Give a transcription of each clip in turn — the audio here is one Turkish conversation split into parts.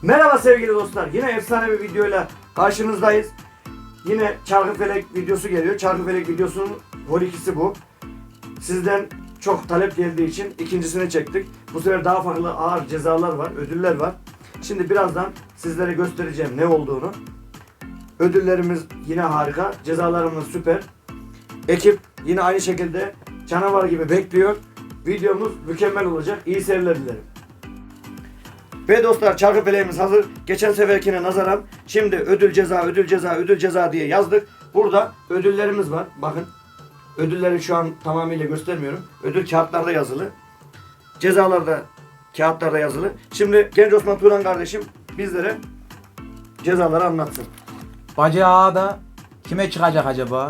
Merhaba sevgili dostlar. Yine efsane bir videoyla karşınızdayız. Yine Çarkıfelek videosu geliyor. Çarkıfelek videosunun vol 2'si bu. Sizden çok talep geldiği için ikincisini çektik. Bu sefer daha farklı ağır cezalar var, ödüller var. Şimdi birazdan sizlere göstereceğim ne olduğunu. Ödüllerimiz yine harika, cezalarımız süper. Ekip yine aynı şekilde canavar gibi bekliyor. Videomuz mükemmel olacak. İyi seyirler dilerim. Ve dostlar Çarkıfeleğimiz hazır. Geçen seferkine nazaran şimdi ödül ceza, ödül ceza, ödül ceza diye yazdık. Burada ödüllerimiz var. Bakın. Ödülleri şu an tamamıyla göstermiyorum. Ödül kağıtlarda yazılı. Cezalar da kağıtlarda yazılı. Şimdi Genç Osman Turan kardeşim bizlere cezaları anlatsın. Bacağı da kime çıkacak acaba?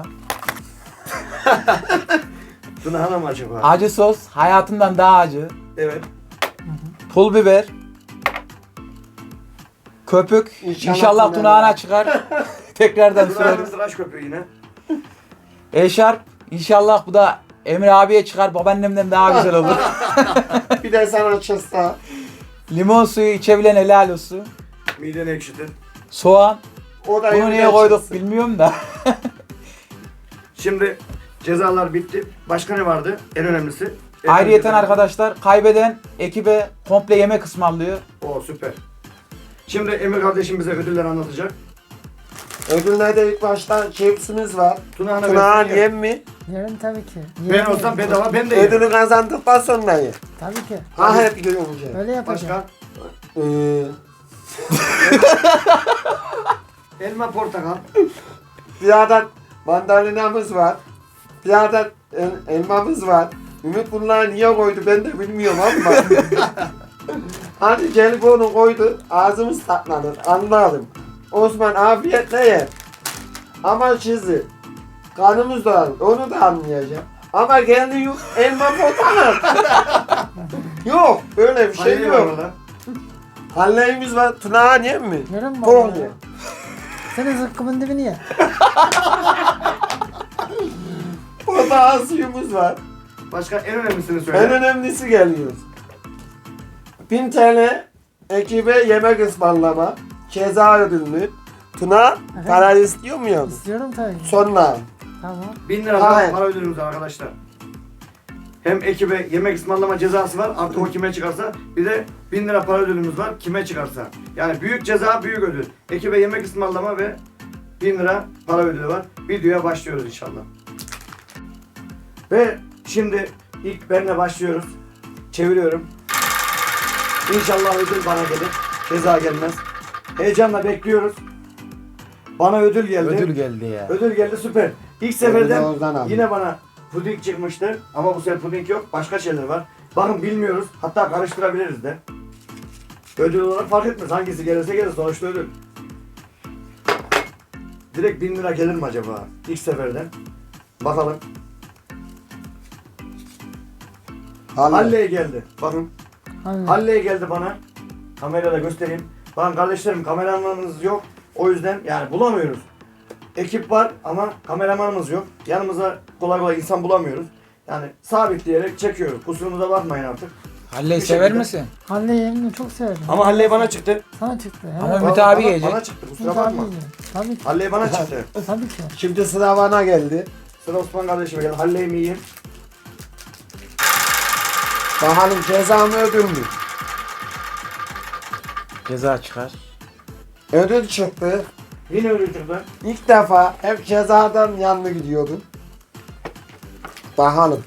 Tunağına mı acaba? Acı sos hayatımdan daha acı. Evet. Pul biber. Köpük. İnşallah tunağına çıkar. Tekrardan Tunağına süreriz. tıraş köpüğü yine. Eşarp. İnşallah bu da Emre abiye çıkar. Babaannemden daha güzel olur. Bir de sana çıksa. Limon suyu içebilen helal olsun. Mideni ekşitir. Soğan. O da Bunu niye evden koyduk çıksın. bilmiyorum da. Şimdi cezalar bitti. Başka ne vardı? En önemlisi. Ayrıyeten arkadaşlar kaybeden ekibe komple yemek ısmarlıyor. O süper. Şimdi Emir kardeşim bize ödüller anlatacak. Ödüllerde ilk başta cipsimiz var. Tunağına Tunağın versin, yem mi? Yerim tabii ki. Ben Yerim olsam yerim. bedava ben de yerim. Ödülü kazandıktan sonra ye. Tabii ki. Ha hep görünce. Öyle yapacağım. Başka? Elma, portakal. Bir adet mandalinamız var. Bir adet elmamız var. Ümit bunları niye koydu ben de bilmiyorum ama. Hani gelip onu koydu ağzımız tatlanır anladım. Osman afiyetle yer. Ama çizi. Kanımız da onu da anlayacağım. Ama geldi yok elma portakal. Yok öyle bir şey Hayır var yok. orada. Halleyimiz var. Tunağın yem mi? Yerim Bol baba ye. ya. Senin zıkkımın dibini ye. Portakal suyumuz var. Başka en önemlisini söyle. En önemlisi geliyor. 1000 TL ekibe yemek ısmarlama. Ceza ödülünü. Tuna para istiyor mu yavrum? İstiyorum tabii ki. Sonra. Tamam. 1000 lira daha Hayır. para ödülümüz var arkadaşlar. Hem ekibe yemek ısmarlama cezası var. Artık o kime çıkarsa. Bir de 1000 lira para ödülümüz var. Kime çıkarsa. Yani büyük ceza, büyük ödül. Ekibe yemek ısmarlama ve 1000 lira para ödülü var. Videoya başlıyoruz inşallah. Ve şimdi ilk benle başlıyoruz. Çeviriyorum. İnşallah ödül bana gelir. Ceza gelmez. Heyecanla bekliyoruz. Bana ödül geldi. Ödül geldi ya. Ödül geldi süper. İlk Ödülü seferden oradan aldım. yine bana puding çıkmıştı. Ama bu sefer puding yok. Başka şeyler var. Bakın bilmiyoruz. Hatta karıştırabiliriz de. Ödül olarak fark etmez. Hangisi gelirse gelir. Sonuçta ödül. Direkt 1000 lira gelir mi acaba? İlk seferden. Bakalım. Halley geldi. Bakın. Anladım. Halley geldi bana. Kamerayla göstereyim. Bakın kardeşlerim kameramanımız yok. O yüzden yani bulamıyoruz. Ekip var ama kameramanımız yok. Yanımıza kolay kolay insan bulamıyoruz. Yani sabitleyerek çekiyoruz. Kusurumuza bakmayın artık. Halleyi Bir sever şekilde. misin? Halle yerini çok severim. Ama Halley bana çıktı. Sana çıktı. Ama Evet. Ümit abi yiyecek. Bana çıktı kusura Ümit abi bakma. yiyecek. Tabii ki. Halley bana çıktı. Tabii ki. Şimdi sıra bana geldi. Sıra Osman kardeşime geldi. Halley mi yiyeyim? Bakalım ceza mı ödül mü? Ceza çıkar. Ödül çıktı. Yine ödül çıktı. İlk defa hep cezadan yanlı gidiyordum. Bakalım.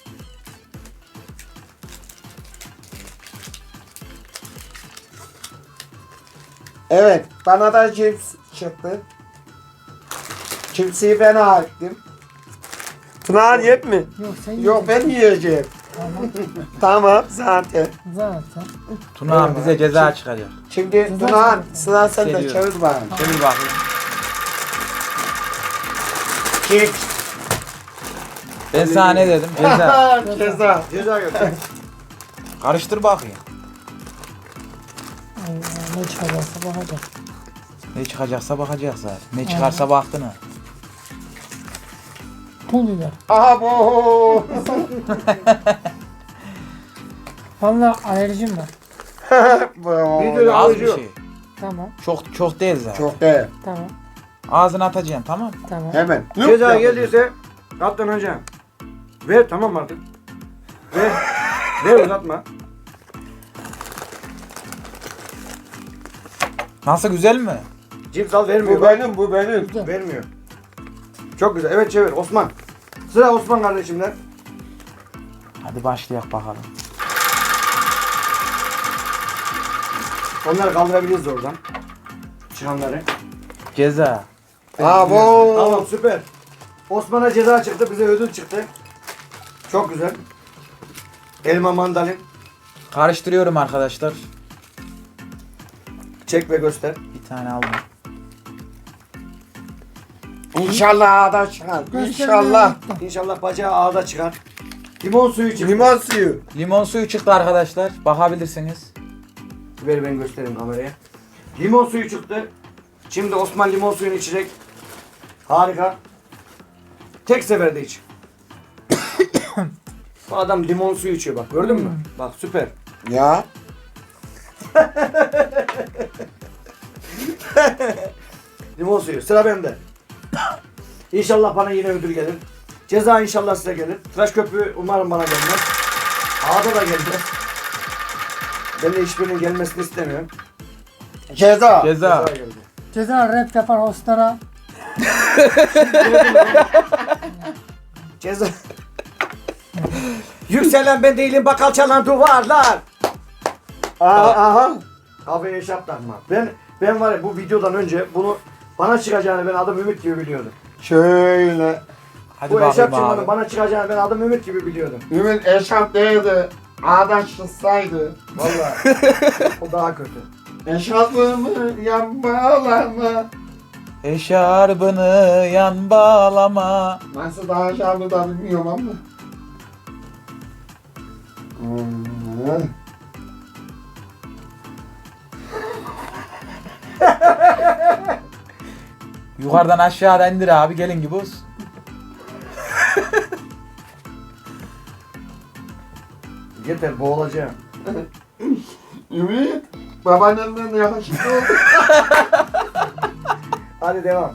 Evet, bana da cips çıktı. Cipsi ben ettim. Tuna yep mi? Yok sen Yok ben yiyeceksin. yiyeceğim. Tamam. Tamam zaten. Zaten. Tuna bize ceza çıkaracak. Şimdi Güzel Tuna zaten. sıra sende Geliyor. çevir bakalım. Çevir bakayım. Cips. Ben sana ne dedim? Ceza. Ceza. Ceza götür. Karıştır bakayım. Ay, ne çıkarsa bakacak. Ne çıkacaksa bakacağız zaten. Ne çıkarsa baktın ha. Pul biber. Aha bu. Vallahi alerjim var. Bu. Bir de Az bir alıcı. şey. Tamam. Çok değil zaten. Çok değil. Tamam. Ağzına atacaksın tamam. Tamam. Hemen. Ceza geldiyse katlanacağım. Ver tamam artık. Ver. Ver uzatma. Nasıl güzel mi? Cips al vermiyor. Bu bak. benim, bu benim. Güzel. Vermiyor. Çok güzel. Evet çevir Osman. Sıra Osman kardeşimden. Hadi başlayalım bakalım. Onları kaldırabiliriz oradan. Çıkanları. Ceza. Bravo. Tamam süper. Osman'a ceza çıktı. Bize ödül çıktı. Çok güzel. Elma mandalin. Karıştırıyorum arkadaşlar. Çek ve göster. Bir tane aldım. İnşallah ağda çıkar. Göstermeye İnşallah. gittim. İnşallah bacağı ağda çıkar. Limon suyu çıktı. Limon suyu. Limon suyu çıktı arkadaşlar. Bakabilirsiniz. Ver ben göstereyim kameraya. Limon suyu çıktı. Şimdi Osman limon suyunu içecek. Harika. Tek seferde iç. Bu adam limon suyu içiyor bak gördün mü? Bak süper. Ya. Limon suyu. Sıra bende. İnşallah bana yine ödül gelir. Ceza inşallah size gelir. Tıraş köpüğü umarım bana gelmez. Ağda da gelmez. Ben de hiçbirinin gelmesini istemiyorum. Ceza. Ceza. geldi. Ceza rap yapan hostlara. Ceza. Yükselen ben değilim bakal çalan duvarlar. Aha. Kafaya eşap takma. Ben var ya bu videodan önce bunu bana çıkacağını ben adım Ümit gibi biliyordum. Şöyle. Hadi Bu eşap bakayım çıkmadı abi. bana çıkacağını ben adım Ümit gibi biliyordum. Ümit eşarp değildi. Ağda çıksaydı. Vallahi o daha kötü. Eşarpımı yanmalama. Eşarbını yan bağlama. Nasıl daha eşarpı da bilmiyorum ama. Yukarıdan aşağıdan indir abi gelin gibi olsun. Yeter boğulacağım. Ümit. Babaannemden yakışıklı oldu. Hadi devam.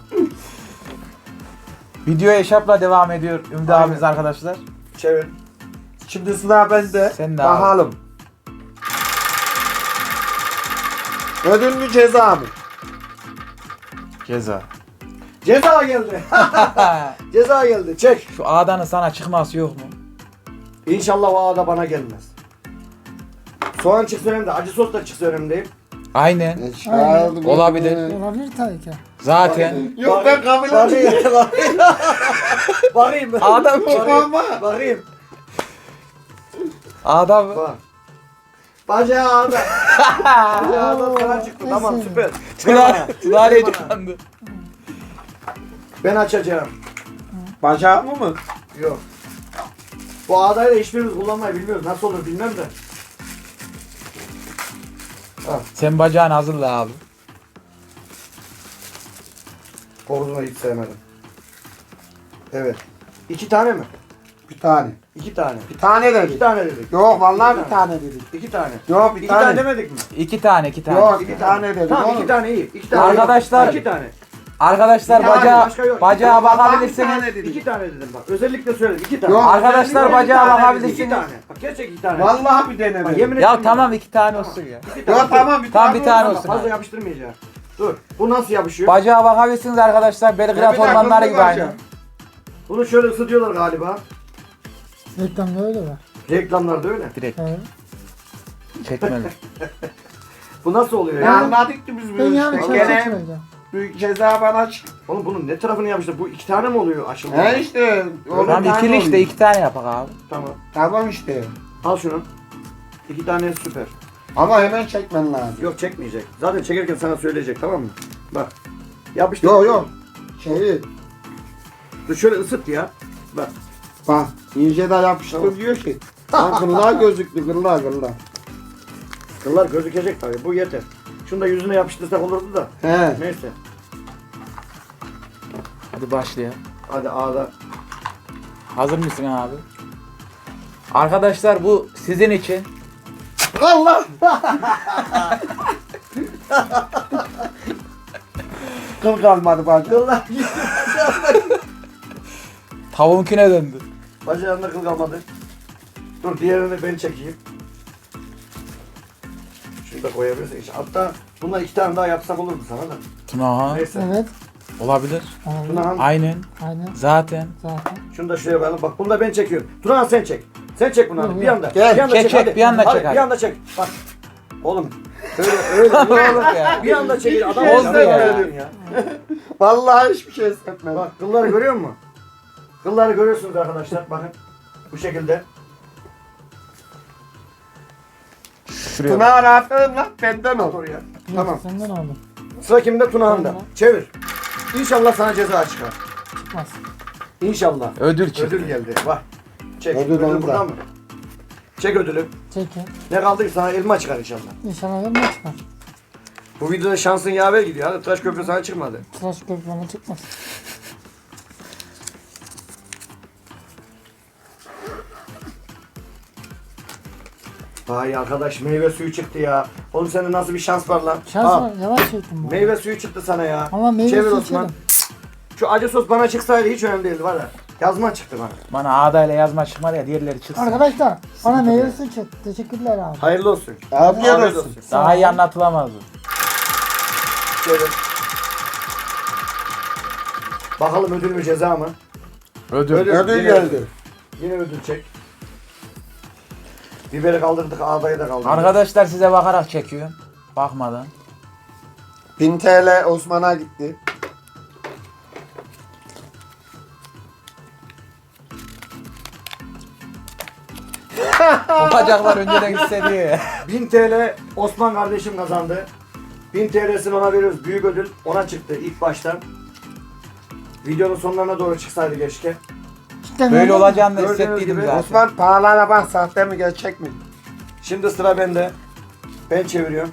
Video eşapla devam ediyor Ümit Aynen. abimiz arkadaşlar. Çevir. Şimdi sıra bende. Sen de abi. Bakalım. Ödül mü ceza mı? Ceza. Ceza geldi. Ceza geldi. Çek. Şu A'danın sana çıkması yok mu? İnşallah o ağda bana gelmez. Soğan çıksa önemli değil. Acı sos da çıksa önemli değil. Aynen. Eşarpımı. Olabilir. Olabilir tabii ki. Zaten. Yok ben kabul etmiyorum. Bakayım. Adam Ama. Bakayım. Adam. Bak. Bacağı ağda. Bacağı ağda sana çıktı. Tamam neyse. süper. Tınar'ı Ver bana. tıkandı. Ben açacağım. Bacağımı mı? Yok. Bu ağdayla hiçbirimiz kullanmayı bilmiyoruz. Nasıl olur bilmem de. Sen bacağını hazırla abi. Koruzunu hiç sevmedim. Evet. 2 tane mi? Bir tane. 2 tane. Bir tane 2 dedik. tane dedik. Yok vallahi Bir bir tane dedik. 2 tane. Yok bir 2 tane tane. demedik mi? İki tane. Yok bir tane dedik. Tamam 2 oğlum. tane iyi. 2 tane. Arkadaşlar- 2 tane. Arkadaşlar Bir tane, bacağa, başka yok. bacağa Vallahi bir bakabilirsiniz. tane dedik. 2 tane dedim bak. Özellikle söyledim. 2 tane. Yok. Arkadaşlar bacağa tane bakabilirsiniz. 2 tane. Bak gerçek 2 tane. Vallahi bir Bak, denemedim. yemin Ya ederim tamam bak. 2 tane olsun ya. 2 tane. Yok tamam bir Tamam, tane. bir tane olsun. olsun. Fazla yapıştırmayacağım. Dur. Bu nasıl yapışıyor? Bacağa bakabilirsiniz arkadaşlar. Belgrad Bir dakika, ormanları dur gibi aynı. bakacağım. Bunu şöyle ısıtıyorlar galiba. Reklamda öyle var. Reklamlarda öyle. Direkt Evet. çekmeli. Bu nasıl oluyor Ya ya? anladık ki biz Ben bu yani işte. çok Gene söyleyeceğim. büyük ceza bana çıktı. Oğlum bunun ne tarafını yapmışlar? Bu 2 tane mi oluyor aşıldı? He işte. o Tamam bir tane ikili işte oluyor. 2 tane yapak abi. Tamam. Tamam işte. Al şunu. 2 tane süper. Ama hemen çekmen lazım. Yok çekmeyecek. Zaten çekerken sana söyleyecek tamam mı? Bak. Yapıştır. Yok yok. Şeyi Dur şöyle ısıt ya. Bak. bak ince de yapıştır Tamam. diyor ki. Lan kırlar gözüktü kırlar. Kıllar gözükecek tabii. Bu yeter. Şunu da yüzüne yapıştırsak olurdu da. He. Neyse. Hadi başlayalım. Hadi ağda. Hazır mısın abi? Arkadaşlar bu sizin için. Allah. Kıl kalmadı bacı. Kıllar gitti. Tavuğunkine döndü. Bacağında kıl kalmadı. Dur diğerini ben çekeyim. Şunu da koyabilirsin. Hatta bundan 2 tane daha yapsak olurdu sana da. Tunahan. Neyse. Evet. Olabilir. Aynen. Tunahan. Aynen. Aynen. Zaten. Zaten. Şunu da şuraya koyalım. Bak bunu da ben çekiyorum. Turan sen çek. Sen çek bunu abi. Bir anda. Gel, bir anda çek, hadi. bir anda Hadi, çek, hadi. Bir anda çek. Bak. Oğlum. Öyle. Olur ya. Bir anda çek. Adam Oldu oldu ya. ya. Vallahi hiçbir şey hissetmedim. Bak kılları görüyor musun? Kılları görüyorsunuz arkadaşlar. Bakın. Bu şekilde. Şuraya. Tuna aferin lan benden ol. Oraya. Yok, Tamam. senden aldım. Sıra kimde? Tunahan'da. Tamam. Çevir. İnşallah sana ceza çıkar. Çıkmaz. İnşallah. Ödül çıktı. Ödül geldi. Bak. Çek. Ödül Ödül onda. burada mı? Çek ödülü. Çekin. Ne kaldı ki sana elma çıkar inşallah. İnşallah ne çıkar. Bu videoda şansın yaver gidiyor. Hadi tıraş köprü sana çıkmadı. Tıraş köprü bana çıkmaz. Vay arkadaş meyve suyu çıktı ya. Oğlum sende nasıl bir şans var lan? Şans Al. var. Yavaş çektim bu. Meyve suyu çıktı sana ya. Ama meyve Çevir suyu Osman. içerim. Şu acı sos bana çıksaydı hiç önemli değildi var ya. Yazma çıktı bana. Bana ağdayla yazma çıkmadı ya diğerleri çıksın. Arkadaşlar bana meyve suyu çıktı. Teşekkürler abi. Hayırlı olsun. Afiyet Afiyet olsun. Daha iyi anlatılamaz bu. Çevir. Bakalım ödül mü ceza mı? Ödül. Ödül Yine geldi. Yine ödül çek. Biberi kaldırdık, ağdayı da kaldırdık. Arkadaşlar size bakarak çekiyorum. Bakmadan. 1000 TL Osman'a gitti. O bacaklar önceden hissediyor ya. 1000 TL Osman kardeşim kazandı. 1000 TL'sini ona veriyoruz. Büyük ödül ona çıktı ilk baştan. Videonun sonlarına doğru çıksaydı keşke. İşte Böyle ne- olacağını da Gördüğünüz hissettiydim gibi zaten. Osman pahalara bak sahte mi gerçek mi? Şimdi sıra bende. Ben çeviriyorum.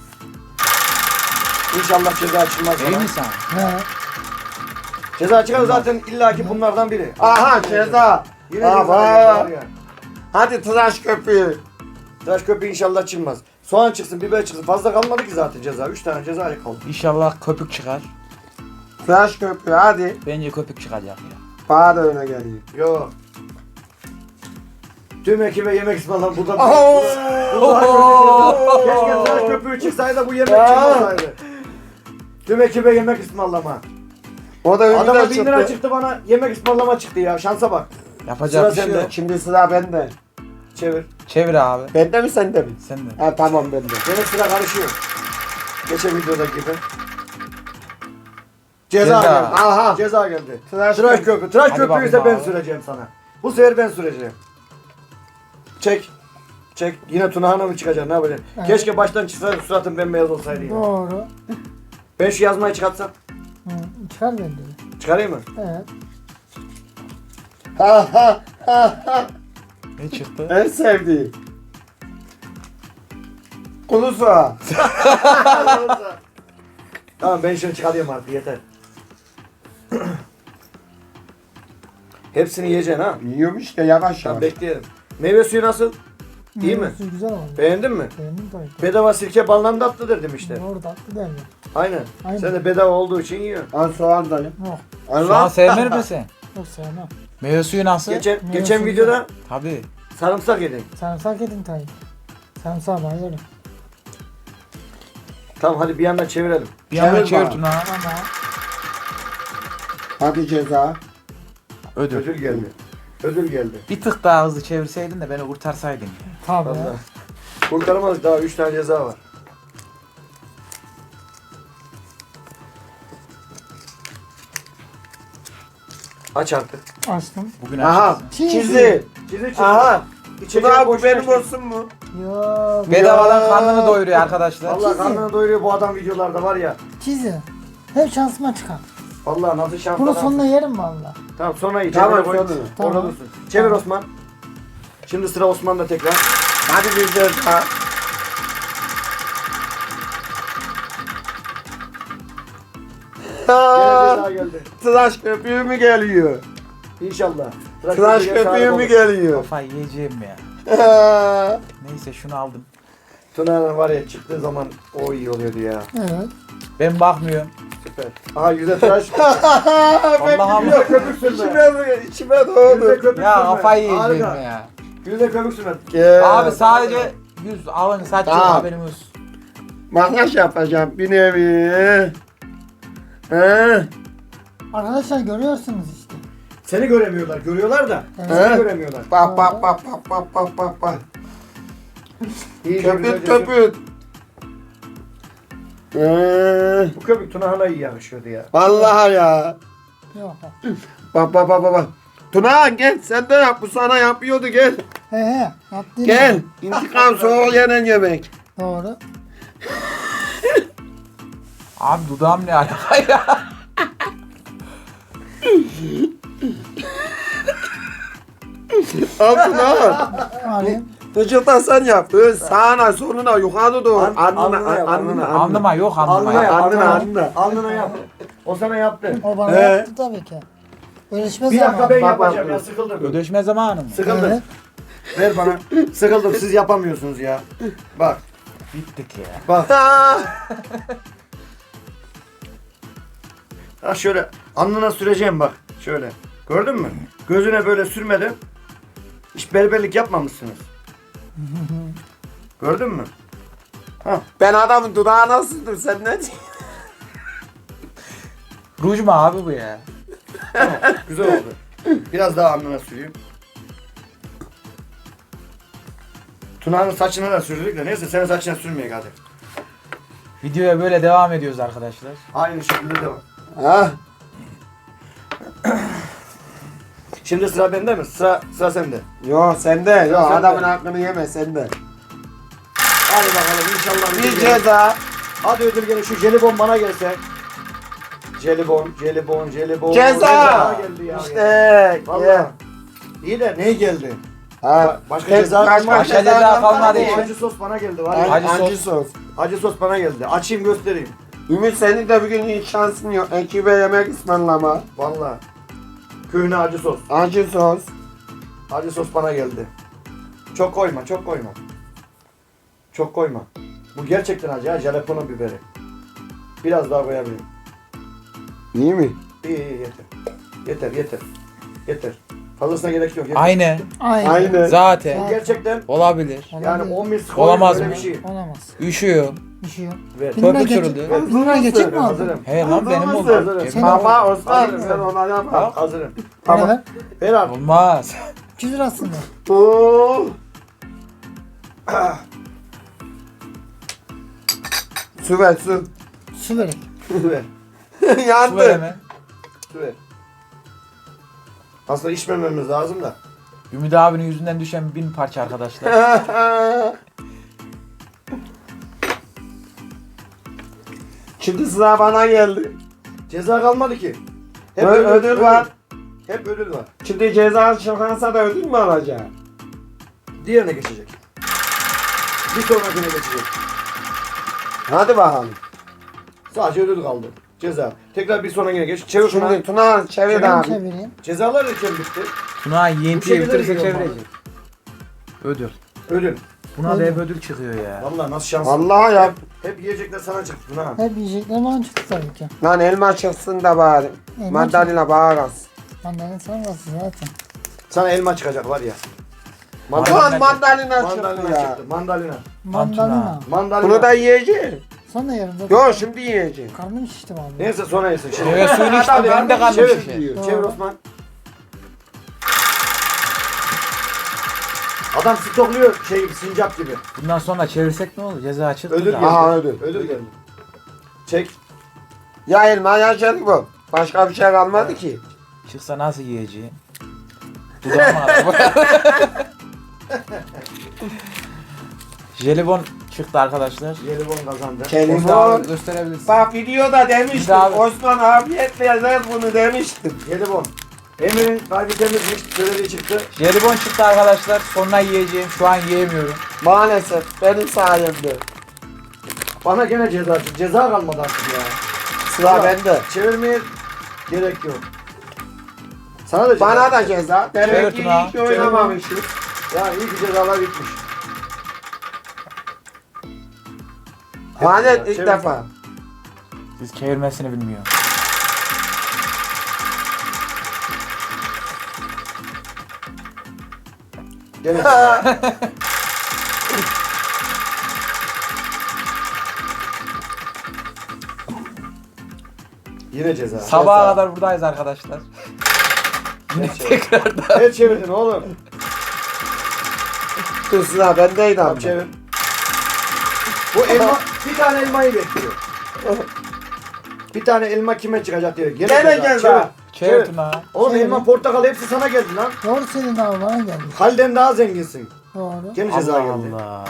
İnşallah ceza çıkmaz Değil bana. mi sana? He. Ceza çıkar zaten illaki bunlardan biri. Aha ceza. Yine ceza Aha. var ya. Hadi tıraş köpüğü. Tıraş köpüğü inşallah çıkmaz. Soğan çıksın, biber çıksın. Fazla kalmadı ki zaten ceza. 3 tane ceza kaldı. İnşallah köpük çıkar. Tıraş köpüğü hadi. Bence köpük çıkacak ya. Bana da öne geliyor. Yok. Tüm ekibe yemek ısmarlam burada. Oo. Keşke tıraş köpüğü çıksaydı da bu yemek çıkmasaydı. Tüm ekibe yemek ısmarlama. O da Adama önüne 1000 lira çıktı. çıktı bana yemek ısmarlama çıktı ya. Şansa bak. Yapacak Sıra bir şey sende. yok. Şimdi sıra bende. Çevir. Çevir abi. Bende mi sende mi? Sen de. Ha tamam bende. Yine sıra karışıyor. Geçen videodaki gibi. Ceza Ceza. geldi. Aha. Ceza geldi. Tıraş Tıraş köpüğü. köpüğü. Tıraş Hadi köpüğü ise bakayım ben abi. süreceğim sana. Bu sefer ben süreceğim. Çek. Çek. Yine Tuna Hanım çıkacak. Ne yapacaksın? Evet. Keşke baştan çıksaydı suratın bembeyaz olsaydı ya. Doğru. Ben şu yazmayı çıkartsam. Hı. Çıkar bende. Çıkarayım mı? Evet. Ha ha ha ha. Ne çıktı? En sevdiğim. Kulu soğan. Tamam ben şunu çıkarayım artık yeter. Hepsini yiyeceksin ha. Yiyorum işte yavaş Tamam yavaş. bekleyelim. Meyve suyu nasıl? İyi mi? Meyve suyu güzel oldu. Beğendin mi? Beğendim tabii. Bedava sirke balından tatlıdır demişler. Doğru tatlı derler. Aynen. Aynen. Sen de bedava olduğu için yiyorsun. Al soğan dayı. Yok. Soğan Allah. sevmer misin? Yok sevmem. Meyve suyu nasıl? Geçen Meyve suyu videoda Tabii. sarımsak yedin. Sarımsak edin tabii. Sarımsağı bayılırım. Tamam hadi bir yandan çevirelim. Bir yandan Çevir çevir bana. Tuna. Ama Hadi ceza. Ödül. Ödül geldi. Ödül geldi. Bir tık daha hızlı çevirseydin de beni kurtarsaydın. ya. tabii. Vallahi. Kurtaramadık daha 3 tane ceza var. Aç artık. Açtım. Bugün Aha. açıksın. Çizi. Çizi Aha. İçecek Tuna boş bu benim ver. olsun mu? Yok. Bedavadan karnını doyuruyor arkadaşlar. Vallahi karnını doyuruyor bu adam videolarda var ya. Çizi. Hep şansıma çıkar. Vallahi nasıl şanslı Bunu adam. sonuna yerim valla. Tamam sonra iyi. Tamam, Çevire koy. sonra. Orada Tamam. dursun. Çevir Osman. Şimdi sıra Osman'da tekrar. Hadi bir ceza. Gene ceza geldi. Tıraş köpüğü mü geliyor? İnşallah. Tıraş köpüğüne sahip köpüğü mü olun. geliyor? Kafayı yiyeceğim ya. Neyse şunu aldım. Tuna'nın var ya çıktığı zaman o iyi oluyordu ya. Evet. Ben bakmıyorum. Süper. Aha yüze tıraş. Allah'ım. Yüze köpük sürme. İçime Yüze doğdu. köpük Ya sürme. kafayı yiyeceğim Harika. ya. Yüze köpük sürme. Abi sadece yüz alın saç yok Tamam. haberimiz. Makyaj yapacağım bir nevi. He. Arkadaşlar görüyorsunuz işte. Seni göremiyorlar. Görüyorlar da. Evet. Seni göremiyorlar. Bak bak bak bak bak bak bak bak. İyice Köpüt güzelce köpüt. sür. Bu köpük Tuna hala iyi yakışıyordu ya. Vallahi ya. Yok. Bak bak bak bak, bak. Tuna gel sen de yap, bu sana yapıyordu, gel. He. Yaptın. Gel. İntikam soğuk yenen yemek. Doğru. Abi dudağım ne alaka ya? Al Tuna. Alayım. Vücuttan sen yap. Sağına soluna yukarı doğru. Alnına yap, alnına. Anlama yok anlama Alnına yap. ya. Alnına, Alnına. alnına. Alnına yap. O sana yaptı. O bana He. yaptı tabii ki. Görüşme Bir dakika zamanı. ben Bak, bak, yapacağım ya, bak. sıkıldım. Ödeşme zamanı mı? Sıkıldım. Evet. Ver bana. Sıkıldım, siz yapamıyorsunuz ya. Bak, Bittik ya. bak. Ha. Ha şöyle alnına süreceğim bak. Şöyle. Gördün mü? Gözüne böyle sürmedim. Hiç berberlik yapmamışsınız. Gördün mü? Ben adamın dudağı nasıldır, sen ne diyorsun? Ruj mu abi bu ya? Tamam, güzel oldu. Biraz daha alnına süreyim. Tuna'nın saçına da sürdük de neyse senin saçına sürmeyek hadi. Videoya böyle devam ediyoruz arkadaşlar. Aynı şekilde devam. Ha? Şimdi sıra bende mi? Sıra sende. Yo sende. Yo Sen de. adamın hakkını yeme, sende. Hadi bakalım inşallah. Bir ceza. Hadi ödül gelin şu jelibon bana gelse. Jelibon. Ceza. geldi ya. İşte. Vallahi. Ye. İyi de ne geldi? Ha. Başka Tek- ceza kalmadı. Başka ceza kalmadı. Acı, acı sos bana geldi var ya. Acı Acı sos. sos. Acı sos bana geldi. Açayım göstereyim. Ümit, senin de bugün hiç şansın yok. Ekibe yemek ısmarlama. Vallahi. Köhne acı sos. Acı sos. Acı sos bana geldi. Çok koyma, çok koyma. Çok koyma. Bu gerçekten acı ha, jalapeno biberi. Biraz daha koyabilirim. İyi mi? İyi yeter. Yeter. Fazlasına gerek yok. Yeter. Aynı. Aynı. Zaten. Bu gerçekten olabilir. yani Olabilir. 10 misli Olamaz böyle mı? bir şey. Olamaz. Üşüyor. Bir şey yok. Ver. Bununla Köpük geçip, sürüldü. bununla geçip mi aldın? Hazırım. He lan benim Hazır oldu. mısın? Cep- Senin- Baba Osman, Hazırım. sen ona yapma. Hazırım. Bana ver. Ver abi. Olmaz. 200 lirasını ver. Oo. Su ver, su. Su vereyim. Ver. Su Yandı. vereme. Ver. Aslında içmememiz lazım da. Ümit abinin yüzünden düşen 1000 parça arkadaşlar. Şimdi sıra bana geldi. Ceza kalmadı ki. Ödül var. Hep ödül var. Şimdi ceza çıkarsa da ödül mü alacak? Diğerine geçecek. Bir sonrakine geçecek. Hadi bakalım. Sadece ödül kaldı. Ceza. Tekrar bir sonrakine geç. Çevir şuna. Şimdi Tuna çevir Ben abi. çevireyim. Cezalar erken bitti. Tuna Bu yentiye şekilde bitirirse yiyorum çevirecek. Ödül. Ödül. Buna da hep ödül çıkıyor ya. Vallahi nasıl şanslı. Vallahi yap. Hep yiyecekler sana çıktı ha. Hep yiyecekler bana çıktı tabii ki. Lan elma çıksın da bari. Elma Mandalina bağırasın. Mandalina sonrası zaten. Sana elma çıkacak var ya. Lan mandalina Mandalina çıktı ya. çıktı. Mandalina. Mandalina. Mandalina. Bunu da yiyeceğim. Sonra yerim zaten. Yo şimdi yiyeceğim. Karnım şişti vallahi. Neyse sonra yesin. Şimdi. Meyve suyunu içti Adam benim de karnım karnım şişiyor. şişer. Diyor. Çevir Osman. Adam stokluyor şey gibi, sincap gibi. Bundan sonra çevirsek ne olur? Ceza çıktı Ödül da. geldi. Aha, ödül. Ödül geldi. Çek. Ya elma ya jelibon. Başka bir şey kalmadı ki. Çıksa nasıl yiyeceğim? Dudağıma araba. Jelibon çıktı arkadaşlar. Jelibon kazandı. Ümit Jelibon. abi gösterebilirsin. Bak videoda demiştim. Abi. Osman afiyetle yazar bunu demiştim. Jelibon. Emir'in kalbi temizmiş. Söylediği çıktı. Jelibon çıktı arkadaşlar. Sonra yiyeceğim. Şu an yiyemiyorum. Maalesef benim sayemde. Bana gene ceza çıktı. Ceza kalmadı artık ya. Sıra bende. Çevirmeye gerek yok. Sana da ceza. Bana da ceza. Demek ki Tuna. iyi ki oynamamışız. Ya iyi ki cezalar bitmiş. Hanet ilk Çevir. defa. Siz çevirmesini bilmiyor. Gene. Yine ceza. Sabaha kadar buradayız arkadaşlar. Yine tekrardan. El çevirdin oğlum. Dur sıra bendeydi Tamam abi. çevir. Bu elma, bir tane elmayı bekliyor. Bir tane elma kime çıkacak diyor. Gene ceza. ceza. Çevir Tuna. Oğlum Çevir. elma, portakal hepsi sana geldi lan. Doğru senin abi bana geldi. Halden daha zenginsin. Doğru. Gene ceza Allah geldi. Allah.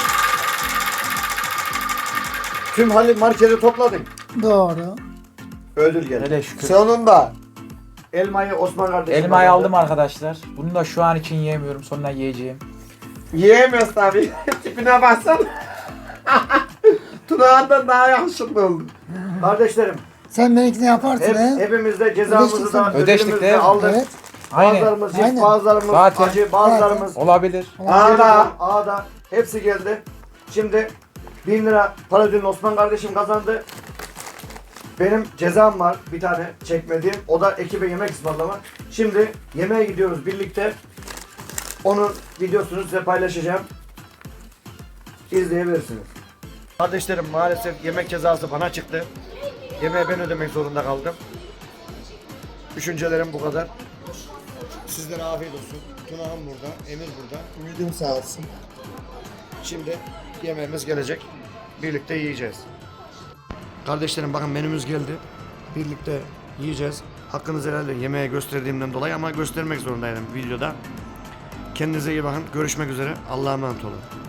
Tüm Halil marketi topladın. Doğru. Ödül geldi. Hele şükür. Sonunda. Elmayı Osman kardeşim. Elmayı aldı. aldım arkadaşlar. Bunu da şu an için yiyemiyorum. Sonra yiyeceğim. Yiyemiyoruz tabii. Tipine baksan. Tunağından daha yakışıklı oldu. Kardeşlerim, Sen benimkini yaparsın he. hepimiz de cezamızı da Ödeştik ödülümüzü değil de mi? aldık. Evet. Aynen. Bazılarımız Aynen. cips, bazılarımız Zaten. acı, bazılarımız Olabilir. Ağda. Ağda. Hepsi geldi. Şimdi 1000 lira para ödülünü Osman kardeşim kazandı. Benim cezam var bir tane çekmediğim. O da ekibe yemek ısmarlamak. Şimdi yemeğe gidiyoruz birlikte. Onun videosunu size paylaşacağım. İzleyebilirsiniz. Kardeşlerim maalesef yemek cezası bana çıktı. Yemeği ben ödemek zorunda kaldım. Düşüncelerim bu kadar. Sizlere afiyet olsun. Tunağım burada, Emir burada. Ümidim sağ olsun. Şimdi yemeğimiz gelecek. Birlikte yiyeceğiz. Kardeşlerim bakın menümüz geldi. Birlikte yiyeceğiz. Hakkınızı helal edin yemeğe gösterdiğimden dolayı ama göstermek zorundaydım videoda. Kendinize iyi bakın. Görüşmek üzere. Allah'a emanet olun.